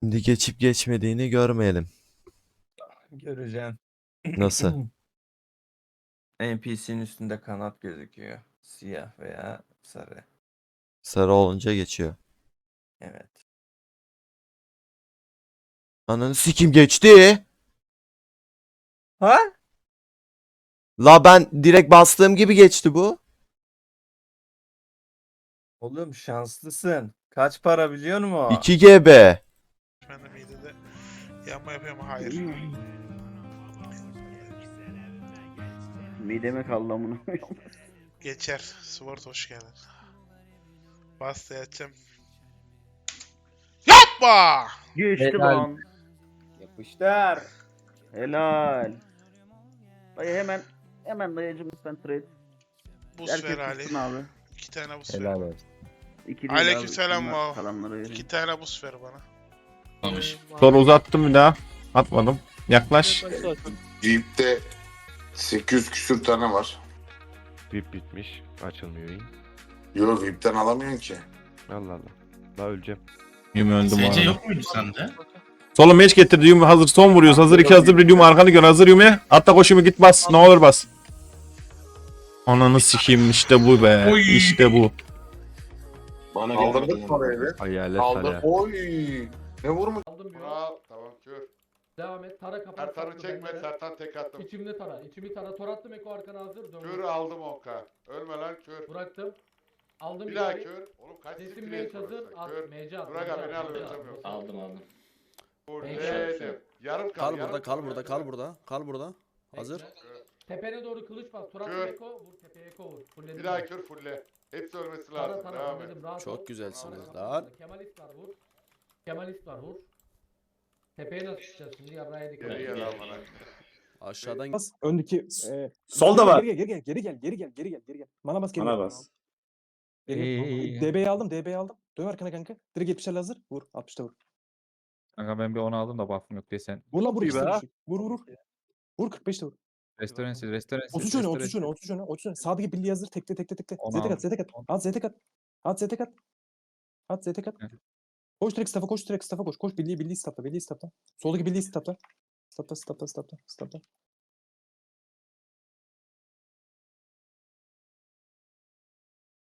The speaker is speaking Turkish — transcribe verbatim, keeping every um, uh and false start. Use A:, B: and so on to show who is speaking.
A: Şimdi geçip geçmediğini görmeyelim.
B: Göreceksin.
A: Nasıl?
B: N P C'nin üstünde kanat gözüküyor. Siyah veya sarı.
A: Sarı olunca geçiyor.
B: Evet.
A: Ananı sikim geçti.
B: Ha?
A: La ben direkt bastığım gibi geçti bu.
B: Oğlum şanslısın. Kaç para biliyor musun?
A: iki G B.
C: Ben de midede yanma yapıyorum. Hayır.
D: Mideme kaldı amına.
C: Geçer. Sword hoş geldin. Basta yatacağım. Yapma!
D: Geçti
B: Helal.
D: lan.
B: Yapıştır.
D: Helal. Dayı hemen hemen dayıcım lütfen trade.
C: Buz
D: Herkes
C: ver Ali.
D: tutsun abi.
C: İki tane buz ver
B: Helal
C: bana.
B: olsun.
D: İki değil
C: Aleykümselam
D: Bunlar
C: vav.
D: Kalanları
C: İki
D: vereyim.
C: tane buz ver bana.
E: Sonra uzattım bir daha. Atmadım. Yaklaş.
F: Jeep'te sekiz yüz küsür tane var.
G: V I P bitmiş. Açılmıyor iyi.
F: Yo, V I P'ten alamıyorsun ki.
G: Allah Allah. Daha öleceğim.
E: Yumi öldüm
H: S C
E: abi.
H: yok muydu sende?
E: Solun meç getirdi. Yumi hazır son vuruyoruz. Hazır iki hazır bir Yumi arkanı gör. Hazır Yumi. Atla koş Yumi git bas. Ne olur bas. Ananı sikeyim işte bu be.
H: Oy.
E: İşte bu.
F: Bana Kaldırdık parayı be.
G: Hayalet
F: Kaldır.
G: hala.
F: Oy. Ne vurmuş?
I: Aldım bir
F: Bravo. Tamam kör.
I: Devam et. Tara kapat.
F: Sertan'ı
I: saklı
F: çekme.
I: bende.
F: Sertan tek attım.
I: İçimde tara. İçimi tara. Tor attım. Eko arkana hazır. Dön.
F: Kör aldım onka. Ölme lan kör.
I: Bıraktım. Aldım
F: Bir
I: bir
F: daha
I: daha.
F: kör. Oğlum kaç
I: Sesim
F: siktir
I: mage
F: et
I: hazır.
F: burası.
I: At.
F: Kör.
I: Mage at.
F: Burak
I: mage
F: abi,
I: at,
F: ne
I: mage
F: alıyorsun?
I: at.
F: Yok.
H: Aldım aldım.
F: Buradaydım. Yarım kal.
J: Kal
F: yarım
J: burada, kal burada, kal burada, kal burada. Hazır.
I: Bekle. Tepene doğru kılıç bas. Tor attım
F: Kör.
I: Eko. Vur tepeye Eko vur. Fulledim.
F: Bir daha
I: ben.
F: kör fulle. Hepsi ölmesi
I: Tara
F: lazım.
I: tara.
F: Devam et.
I: Fulledim. Rahat ol.
J: Çok güzelsiniz
I: Tara
J: lan.
I: kapat. Kemalist var vur. Kemalist var vur. Tepeye nasıl çıkacağız şimdi? Yarraya dikkat
F: Geri
I: et.
F: gel al bana.
J: Aşağıdan
K: Bas öndeki e,
J: Solda
K: geri,
J: var.
K: Geri gel geri gel geri gel geri gel geri gel geri gel. Mana bas geri
J: Bana
K: gel.
J: bas.
K: Geri gel. D B'yi aldım D B'yi aldım. Dön arkana kanka. Direkt yetmişler hazır. Vur altmışta vur.
G: Kanka ben bir onu aldım da buff'ım yok diye sen.
K: Vur lan vur
G: İyi
K: ikisini
G: be.
K: düşük. Vur vur vur. Vur kırk beşte vur.
G: Restoransiz, restoransiz.
K: otuz öne otuz öne otuz öne otuz öne. Sağdaki birliği hazır. Tekle tekle tekle.
G: Onu
K: Zete kat
G: aldım.
K: zete kat. At zete kat. At zete kat. At zete kat.
G: Hı.
K: Koş direkt staff'a koş direkt staff'a koş. Koş birliği birliği staff'a birliği staff'a. Soldaki birliği staff'a. Staff'a staff'a staff'a staff'a.